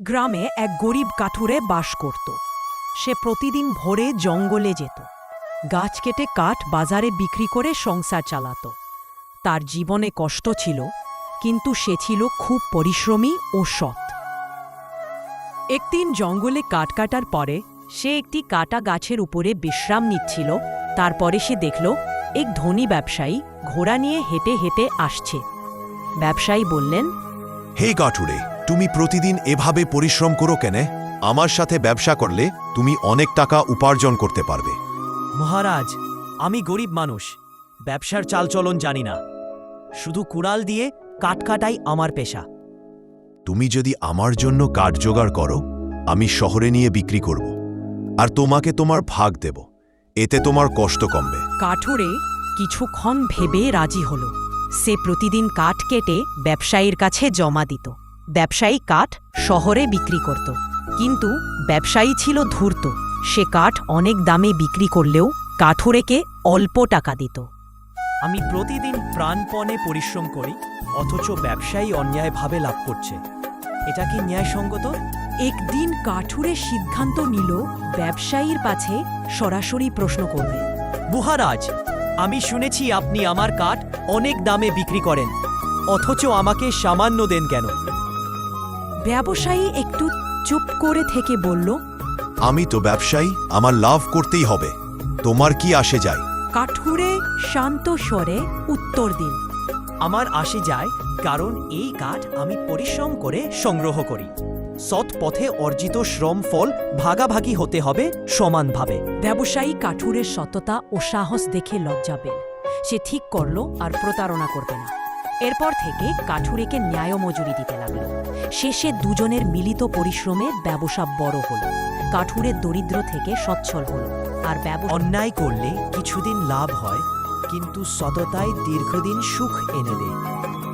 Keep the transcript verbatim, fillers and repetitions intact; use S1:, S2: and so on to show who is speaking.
S1: গ্রামে এক গরিব কাঠুরে বাস করত। সে প্রতিদিন ভোরে জঙ্গলে যেত, গাছ কেটে কাঠ বাজারে বিক্রি করে সংসার চালাত। তার জীবনে কষ্ট ছিল, কিন্তু সে ছিল খুব পরিশ্রমী ও সৎ। একদিন জঙ্গলে কাঠ কাটার পরে সে একটি কাটা গাছের উপরে বিশ্রাম নিচ্ছিল। তারপরে সে দেখল এক ধনী ব্যবসায়ী ঘোড়া নিয়ে হেঁটে হেঁটে আসছে। ব্যবসায়ী বললেন,
S2: হে কাঠুরে, তুমি প্রতিদিন এভাবে পরিশ্রম করো কেন? আমার সাথে ব্যবসা করলে তুমি অনেক টাকা উপার্জন করতে পারবে।
S3: মহারাজ, আমি গরিব মানুষ, ব্যবসার চালচলন জানি না। শুধু কুড়াল দিয়ে কাঠ কাটাই আমার পেশা।
S2: তুমি যদি আমার জন্য কাঠ জোগাড় করো, আমি শহরে নিয়ে বিক্রি করব, আর তোমাকে তোমার ভাগ দেব। এতে তোমার কষ্ট কমবে।
S1: কাঠুরে কিছুক্ষণ ভেবে রাজি হল। সে প্রতিদিন কাঠ কেটে ব্যবসায়ীর কাছে জমা দিত। ব্যবসায়ী কাঠ শহরে বিক্রি করত, কিন্তু ব্যবসায়ী ছিল ধূর্ত। সে কাঠ অনেক দামে বিক্রি করলেও কাঠুরেকে অল্প টাকা দিত।
S3: আমি প্রতিদিন প্রাণপণে পরিশ্রম করি, অথচ ব্যবসায়ী অন্যায়ভাবে লাভ করছে। এটা কি ন্যায়সঙ্গত?
S1: একদিন কাঠুরে সিদ্ধান্ত নিল ব্যবসায়ীর কাছে সরাসরি প্রশ্ন করবে।
S3: মহারাজ, আমি শুনেছি আপনি আমার কাঠ অনেক দামে বিক্রি করেন, অথচ আমাকে সামান্য দেন কেন?
S1: ব্যবসায়ী একটু চুপ করে থেকে বলল,
S2: আমি তো ব্যবসায়ী, আমার লাভ করতেই হবে, তোমার কি আসে যায়?
S1: কাঠুরে শান্ত স্বরে উত্তর দিন,
S3: আমার আসে যায়, কারণ এই কাঠ আমি পরিশ্রম করে সংগ্রহ করি। সৎ পথে অর্জিত শ্রম ফল ভাগাভাগি হতে হবে সমানভাবে।
S1: ব্যবসায়ী কাঠুরের সততা ও সাহস দেখে লজ্জা পেল। সে ঠিক করল আর প্রতারণা করবে না। এরপর থেকে কাঠুরেকে ন্যায় মজুরি দিতে লাগল। শেষে দুজনের মিলিত পরিশ্রমে ব্যবসা বড় হল। কাঠুরে দরিদ্র থেকে সচ্ছল হল, আর ব্যবসা
S3: অন্যায় করলে কিছুদিন লাভ হয়, কিন্তু সততায় দীর্ঘদিন সুখ এনে দেয়।